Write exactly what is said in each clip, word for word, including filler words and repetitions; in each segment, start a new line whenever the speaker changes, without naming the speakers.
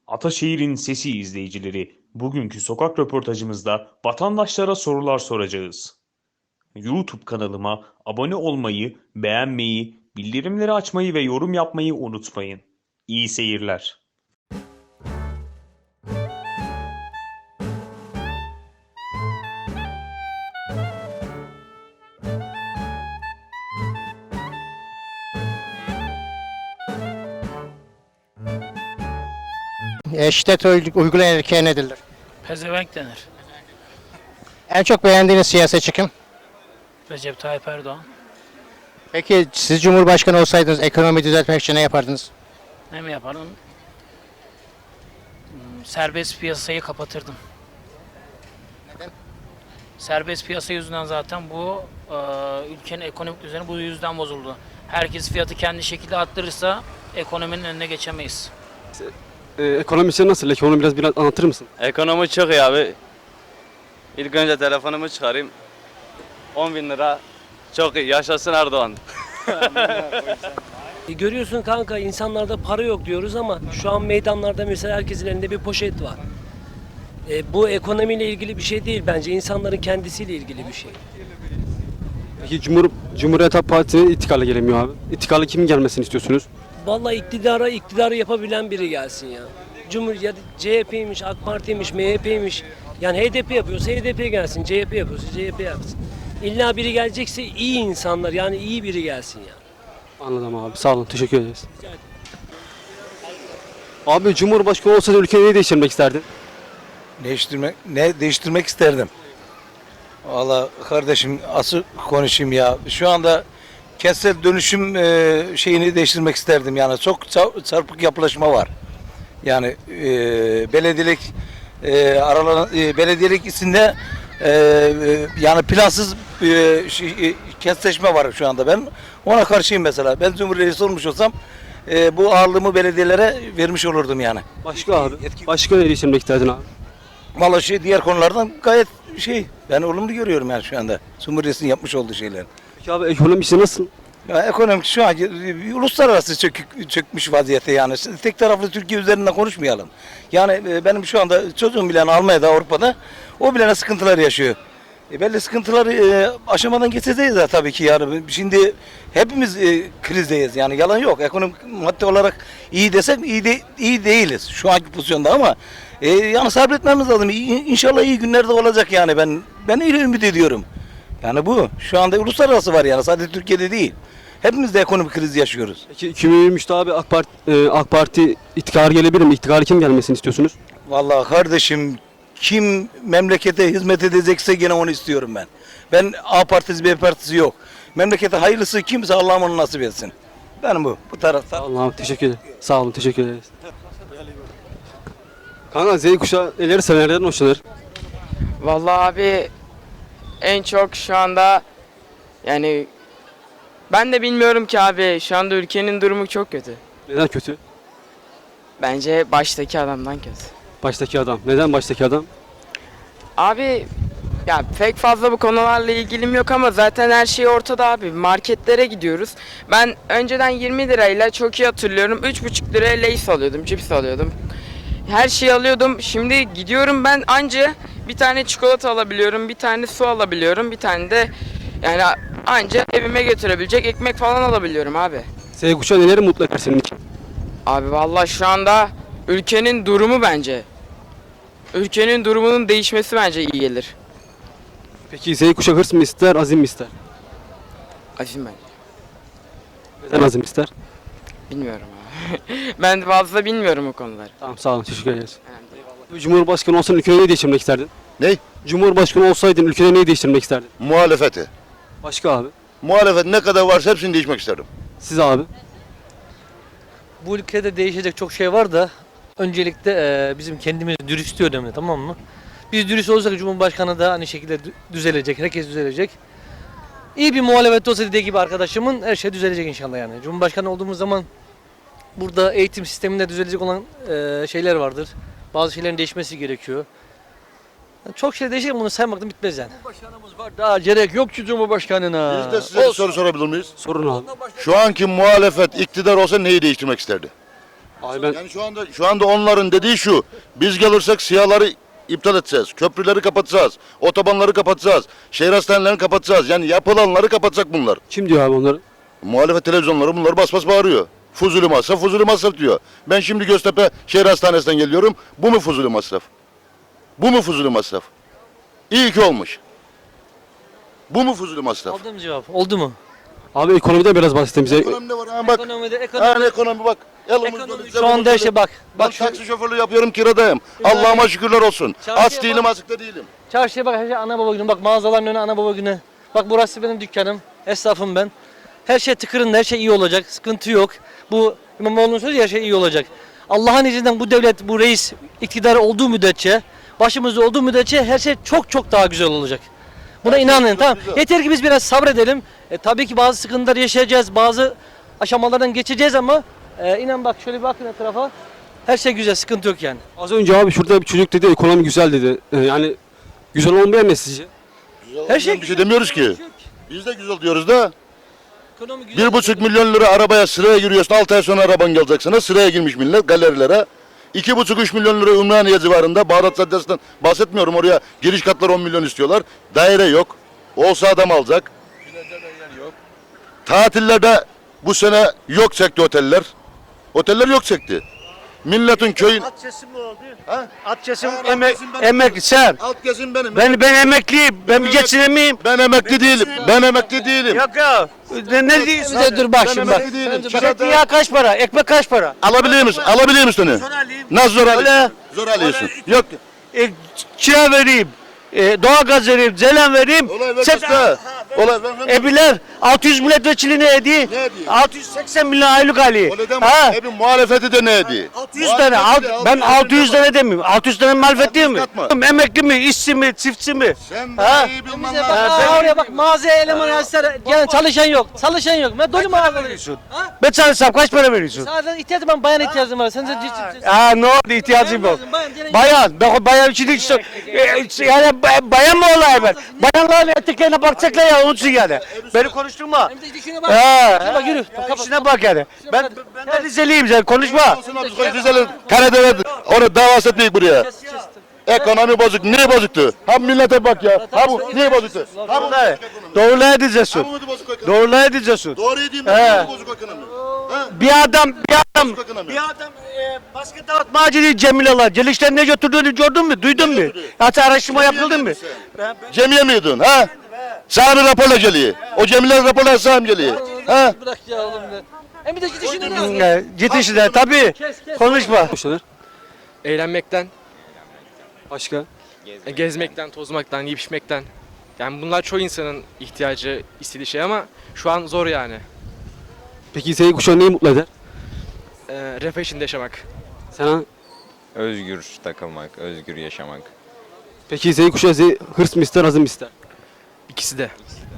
Ataşehir'in sesi izleyicileri, bugünkü sokak röportajımızda vatandaşlara sorular soracağız. YouTube kanalıma abone olmayı, beğenmeyi, bildirimleri açmayı ve yorum yapmayı unutmayın. İyi seyirler.
E, şiddet uy- uygulayan erkeğe ne denir?
Pezevenk denir.
En çok beğendiğiniz siyasetçi kim?
Recep Tayyip Erdoğan.
Peki siz Cumhurbaşkanı olsaydınız ekonomi düzeltmek için ne yapardınız?
Ne mi yaparım? Hmm, Serbest piyasayı kapatırdım.
Neden?
Serbest piyasa yüzünden zaten bu e, ülkenin ekonomik düzeni bu yüzden bozuldu. Herkes fiyatı kendi şekilde arttırırsa ekonominin önüne geçemeyiz.
Ee, ekonomisi nasıl? Ekonomi biraz biraz anlatır mısın?
Ekonomi çok iyi abi. İlk önce telefonumu çıkarayım. on bin lira. Çok iyi. Yaşasın Erdoğan.
E, Görüyorsun kanka insanlarda para yok diyoruz ama şu an meydanlarda mesela herkesin elinde bir poşet var. E, bu ekonomiyle ilgili bir şey değil bence insanların kendisiyle ilgili bir şey.
Peki Cumhur, Cumhuriyet Halk Partisi'ne ittikarla gelemiyor abi. İttikarla kimin gelmesini istiyorsunuz?
Vallahi iktidara iktidarı yapabilen biri gelsin ya. Cumhur ya C H P'ymiş, AK Parti'ymiş, M H P'ymiş. Yani H D P yapıyorsa H D P gelsin, C H P yapıyorsa C H P yapsın. İlla biri gelecekse iyi insanlar yani iyi biri gelsin ya.
Anladım abi. Sağ olun. Teşekkür ederiz. Abi Cumhurbaşkanı olsaydı ülkeyi neyi değiştirmek isterdin?
Değiştirmek ne değiştirmek isterdim. Valla kardeşim asıl konuşayım ya. Şu anda kentsel dönüşüm e, şeyini değiştirmek isterdim yani. Çok ça- çarpık yapılaşma var. Yani e, belediyelik e, aralan e, belediyelik içinde e, e, yani plansız e, şey, e, kentleşme var şu anda. Ben ona karşıyım mesela. Ben Cumhuriyet olmuş olsam e, bu ağırlığımı belediyelere vermiş olurdum yani.
Başka abi. Başka neyi değiştirmek isterdin abi?
Vallahi şey diğer konulardan gayet şey ben olumlu görüyorum yani şu anda. Cumhuriyet'in yapmış olduğu şeyler.
Peki abi ekonomisi nasıl?
Ya ekonomik şu an uluslararası çökük, çökmüş vaziyette yani. Tek taraflı Türkiye üzerinden konuşmayalım. Yani e, benim şu anda çocuğum bile Almanya'da, Avrupa'da o bile sıkıntılar yaşıyor. E belli sıkıntıları e, aşamadan geçeceğiz de tabii ki yani. Şimdi hepimiz e, krizdeyiz yani yalan yok. Ekonomik madde olarak iyi desek iyi de, iyi değiliz şu anki pozisyonda ama e, yani sabretmemiz lazım. İyi, İnşallah iyi günlerde olacak yani ben ben öyle ümit ediyorum. Yani bu şu anda uluslararası var yani sadece Türkiye'de değil. Hepimiz de ekonomik kriz yaşıyoruz.
Peki iki bin yirmi üçte abi AK Parti, e, AK Parti ittikarı gelebilir mi? İttikarı kim gelmesini istiyorsunuz?
Vallahi kardeşim kim memlekete hizmet edecekse gene onu istiyorum ben. Ben A partisi B partisi yok. Memlekete hayırlısı kimse Allah'ım onu nasip etsin. Ben bu bu tarafta.
Allah'ım teşekkür ederim. Sağ olun teşekkür ederiz. Kanka Z kuşağı neleri sever, nelerden hoşlanır?
Vallahi abi en çok şu anda yani ben de bilmiyorum ki abi şu anda ülkenin durumu çok kötü.
Neden kötü?
Bence baştaki adamdan kötü.
Baştaki adam. Neden baştaki adam?
Abi ya pek fazla bu konularla ilgilim yok ama zaten her şey ortada abi. Marketlere gidiyoruz. Ben önceden yirmi lirayla çok iyi hatırlıyorum. üç buçuk liraya Lay's alıyordum, cips alıyordum. Her şeyi alıyordum. Şimdi gidiyorum ben anca bir tane çikolata alabiliyorum, bir tane su alabiliyorum, bir tane de yani anca evime götürebilecek ekmek falan alabiliyorum abi.
Z kuşağı neleri mutlu eder senin için?
Abi vallahi şu anda ülkenin durumu bence. Ülkenin durumunun değişmesi bence iyi gelir.
Peki Z kuşağı hırs mı ister, azim mi ister?
Azim ben.
Neden azim ister?
Bilmiyorum abi. Ben fazla bilmiyorum o konuları.
Tamam sağ olun teşekkür ederiz. Cumhurbaşkanı olsan ülkede neyi değiştirmek isterdin?
Ne?
Cumhurbaşkanı olsaydın ülkede neyi değiştirmek isterdin?
Muhalefeti.
Başka abi.
Muhalefet ne kadar varsa hepsini değişmek isterim.
Siz abi.
Bu ülkede değişecek çok şey var da öncelikle e, bizim kendimiz dürüstlüğü önemli, tamam mı? Biz dürüst olursak Cumhurbaşkanı da aynı şekilde dü- düzelecek, herkes düzelecek. İyi bir muhalefet olsa dediği gibi arkadaşımın her şey düzelecek inşallah yani. Cumhurbaşkanı olduğumuz zaman burada eğitim sisteminde düzelecek olan e, şeyler vardır. Bazı şeylerin değişmesi gerekiyor. Yani çok şey değişecek, bunu saymaktan bitmez yani.
Cumhurbaşkanımız var, daha gerek yok ki Cumhurbaşkanına.
Biz de size bir soru sorabilir miyiz?
Sorun abi.
Şu anki muhalefet iktidar olsa neyi değiştirmek isterdi?
Abi ben
Yani şu anda şu anda onların dediği şu. Biz gelirsek siyahları iptal edeceğiz. Köprüleri kapatacağız. Otobanları kapatacağız. Şehir hastanelerini kapatacağız. Yani yapılanları kapatacak bunlar.
kim diyor abi onları?
Muhalefet televizyonları bunları bas bas bağırıyor. Fuzuli masraf, fuzuli masraf diyor. Ben şimdi Göztepe Şehir Hastanesi'nden geliyorum. Bu mu fuzuli masraf? Bu mu fuzuli masraf? İyi ki olmuş. Bu mu fuzuli masraf?
Aldım cevap. Oldu mu?
Abi ekonomiden biraz bahsedin bize.
Ekonomide var ha bak.
Ekonomide,
Ha
ekonomi,
ekonomi bak. Elimizde
ekonomi
bize
şu anda
bunu
işte bak.
Ben
Bak şu
taksi şoförlüğü yapıyorum, kiradayım.
Güzel.
Allah'ıma şükürler olsun.
Çarşıya
Aç değilim,
bak.
azıcık da değilim.
çarşıya bak, her şey ana baba günü. Bak mağazaların önü ana baba günü. Bak burası benim dükkanım. Esnafım ben. Her şey tıkırında, her şey iyi olacak. Sıkıntı yok. Bu İmamoğlu'nun sözü her şey iyi olacak. Allah'ın izniyle bu devlet, bu reis iktidar olduğu müddetçe, başımızda olduğu müddetçe her şey çok çok daha güzel olacak. Buna inanın, tamam.
güzel.
Yeter ki biz biraz sabredelim. E, tabii ki bazı sıkıntılar yaşayacağız, bazı aşamalardan geçeceğiz ama e, inan bak şöyle bir bakın etrafa. Her şey güzel, sıkıntı yok yani.
Az önce abi şurada bir çocuk dedi ekonomi güzel dedi. Ee, yani güzel olmayan ne sizce?
Her şey
Bir şey demiyoruz ki. Biz de güzel diyoruz da.
Ekonomi güzel.
Bir buçuk milyon lira arabaya sıraya giriyorsun. Altı ay sonra araban gelecek sana. Sıraya girmiş millet galerilere. İki buçuk üç milyon lira Ümraniye civarında. Bağdat Caddesi'nden bahsetmiyorum. Oraya giriş katları on milyon istiyorlar. Daire yok. Olsa adam alacak. Tatillerde bu sene yok çekti oteller. Oteller yok çekti. Milletin köyün...
At kesim mi oldu?
Ha?
At kesim
Ha,
emek,
kesim benim.
emekli sen.
Alt kesim benim.
Ben ben emekliyim. Ben bir
Evet.
geçinemeyim.
Ben emekli değilim. Ben emekli değilim.
Yok ya. Ne, ne diyorsun?
Bize dur bak
Ben
şimdi bak.
emekli değilim.
Zeytinyağı kaç para? Ekmek kaç para?
Alabiliyor musun? Alabiliyor musun onu?
alayım.
Nasıl zor
Öyle.
alıyorsun? Zor alıyorsun. Yok.
E, kira vereyim. E, doğalgaz vereyim. Zelen vereyim.
Olay ver
Sen-
kısa. Olay ver. ver.
Ebiler altı yüz milletvekili ne ediyor?
Ne ediyor?
altı yüz seksen milyon aylık alıyor.
Öyle deme.
Ha?
Hepin muhalefeti de ne ediyor?
altı yüz tane. Alt, ben altı yüz tane demiyorum. altı yüz tane muhalefet değil mi?
katma.
Emekli mi, işçi mi, çiftçi mi?
Sen
Ha?
de iyi bilmem
Bize bak,
lazım.
aa, oraya bak mağazaya eleman yazsalar, yani çalışan yok. Çalışan yok. Ben dolu mağazaları. Ha?
Ben çalışsam kaç para veriyorsun?
Sadece ihtiyacım var, bayan ihtiyacım var. Sen de ciddi.
Aa ne oldu ihtiyacım yok.
Bayan,
Bayan, ben bayan için hiç e, yani ba- bayan mı olay ben? Bayanların eteklerine bakacaklar ya onun için yani. Beni konuşturma.
Hem de dişine bak.
Ha.
Şuna bak yürü. Kapat.
İşine bak yani. Ben ben de Rizeliyim sen konuşma.
Olsun abi, koy Rize'li Karadeniz onu davası etmeyik buraya. Ekonomi bozuk. Niye bozuktu? Ha millete bak ya. Ha bu niye bozuktu? Ha bu
Doğrular. Doğrular edeceksin.
Ha bu muydu bozuk ekonomi?
Doğrular edeceksin.
Doğru yediğim
He.
ben bozuk ekonomi. Ha?
Bir adam bir adam
Bozuk ekonomi.
bir adam e, basket dağıtmacı değil Cemile'ler. Celiş'ten ne götürdüğünü gördün mü? Duydun mu?
götürdü?
Hatta araştırma yapıldı mı?
Cemiye miydin ha? Sana bir raporla geliyor. O Cemile'nin raporla sana mı geliyor? Ha?
Bırak ya oğlum be. Hem bir de git işine bak.
Hmm, Git işine tabii. Konuşma.
Hoşlanır.
Eğlenmekten,
Başka?
e, gezmekten, tozmaktan, yiyip içmekten. Yani bunlar çoğu insanın ihtiyacı, istediği şey ama şu an zor yani.
Peki Z kuşağı neyi mutlu eder?
Ee, refah içinde yaşamak.
Sana?
Özgür takılmak, özgür yaşamak.
Peki Z kuşağı Z hırs mı ister, azim mi ister?
İkisi de.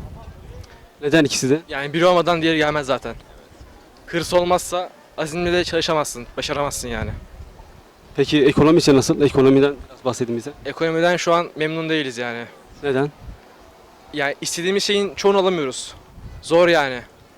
Neden ikisi de?
Yani biri olmadan diğeri gelmez zaten. Hırs olmazsa azimle de çalışamazsın, başaramazsın yani.
Peki ekonomi için nasıl? Ekonomiden biraz bahsedin bize.
Ekonomiden şu an memnun değiliz yani.
Neden?
Yani istediğimiz şeyin çoğunu alamıyoruz. Zor yani.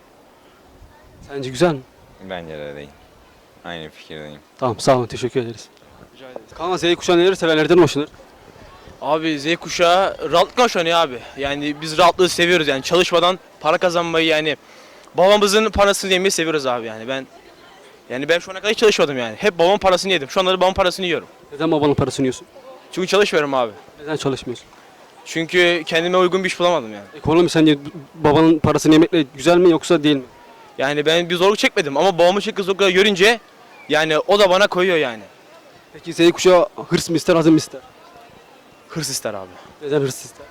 Sence güzel mi?
Bence de değil. Aynı fikirdeyim.
Tamam sağ olun teşekkür ederiz. Kaan Z kuşağı neleri sever, nereden hoşlanır?
Abi Z kuşağı rahatlıkla hoşlanıyor abi. Yani biz rahatlığı seviyoruz yani çalışmadan para kazanmayı yani babamızın parasını yemeyi seviyoruz abi yani ben yani ben şu ana kadar hiç çalışmadım yani. Hep babamın parasını yedim. Şu anda da babamın parasını yiyorum.
Neden babanın parasını yiyorsun?
Çünkü çalışmıyorum abi.
Neden çalışmıyorsun?
Çünkü kendime uygun bir iş bulamadım yani.
Ekonomi sence babanın parasını yemekle güzel mi yoksa değil mi?
Yani ben bir zorluk çekmedim ama babamın çektiği zorlukları görünce yani o da bana koyuyor yani.
Peki Z kuşağı hırs mı ister, azim mi ister?
Hırs ister abi.
Neden hırs ister?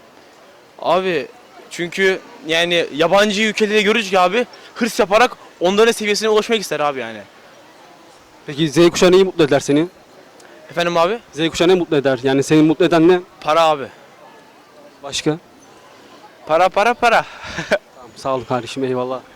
Abi çünkü yani yabancı ülkeleri görünce ki abi hırs yaparak onların seviyesine ulaşmak ister abi yani.
Peki Z kuşağı neyi mutlu eder seni?
Efendim abi?
Z kuşağı ne mutlu eder? Yani seni mutlu eden ne?
Para abi.
Başka?
Para para para.
Tamam, sağ ol kardeşim eyvallah.